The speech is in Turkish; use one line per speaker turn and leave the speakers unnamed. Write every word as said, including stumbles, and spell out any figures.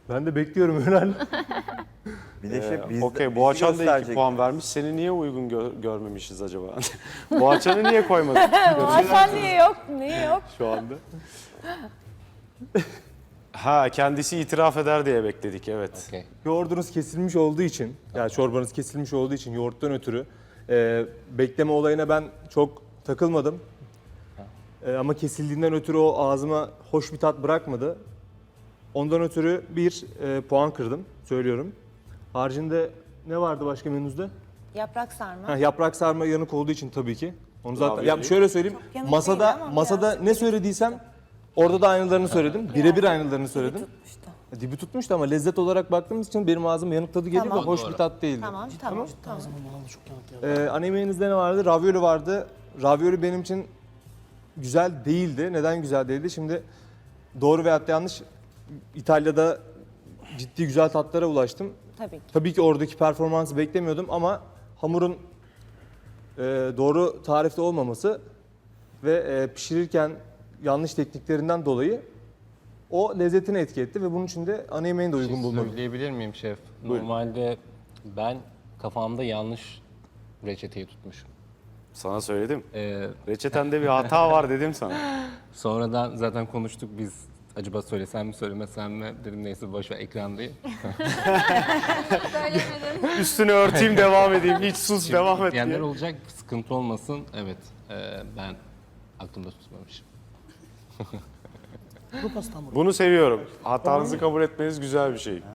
Ben de bekliyorum Ünal.
Bir de şey
Ee,
biz
Okey, Boğaçan da iki puan vermiş. Seni niye uygun gö- görmemişiz acaba? Boğaçan'ı niye koymadın
Hasan niye yok? Niye yok?
şu anda? Ha, kendisi itiraf eder diye bekledik, evet.
Okey.
Yoğurdunuz kesilmiş olduğu için, yani çorbanız kesilmiş olduğu için yoğurttan ötürü e, bekleme olayına ben çok takılmadım. E, ama kesildiğinden ötürü o ağzıma hoş bir tat bırakmadı. Ondan ötürü bir e, puan kırdım, söylüyorum. Haricinde ne vardı başka menünüzde?
Yaprak sarma.
Ha, yaprak sarma yanık olduğu için tabii ki. Onu zaten
Ravioli.
ya şöyle söyleyeyim.
Çok yanık
Masada
değil ama
masada
biraz.
ne söylediysem orada da aynılarını söyledim. Birebir aynılarını söyledim.
Tutmuştu.
Dibi tutmuştu ama lezzet olarak baktığımız için benim ağzıma yanık tadı geliyor
Tamam.
ve hoş bir tat değildi.
Tamam, tamam, tamam.
Ee, ana yemeğinizde ne vardı? Ravioli vardı. Ravioli benim için güzel değildi. Neden güzel değildi? Şimdi doğru veyahut da yanlış, İtalya'da ciddi güzel tatlara ulaştım.
Tabii ki.
Tabii ki oradaki performansı beklemiyordum ama hamurun e, doğru tarifte olmaması ve e, pişirirken yanlış tekniklerinden dolayı o lezzetini etki etti ve bunun için de ana yemeğini de
Bir
uygun
şey
bulmadım.
söyleyebilir miyim şef?
Buyurun.
Normalde ben kafamda yanlış reçeteyi tutmuşum.
Sana söyledim.
Ee,
Reçetende bir hata var dedim sana.
sonradan zaten konuştuk biz. Acaba söylesem mi söylemesem mi? Dedim neyse boş ver ekrandayım.
Üstünü örteyim, devam edeyim. Hiç sus, devam et
Diyenler
diye.
olacak, sıkıntı olmasın. Evet, e, ben aklımda tutmamışım.
Bunu seviyorum. Hatanızı kabul etmeniz güzel bir şey.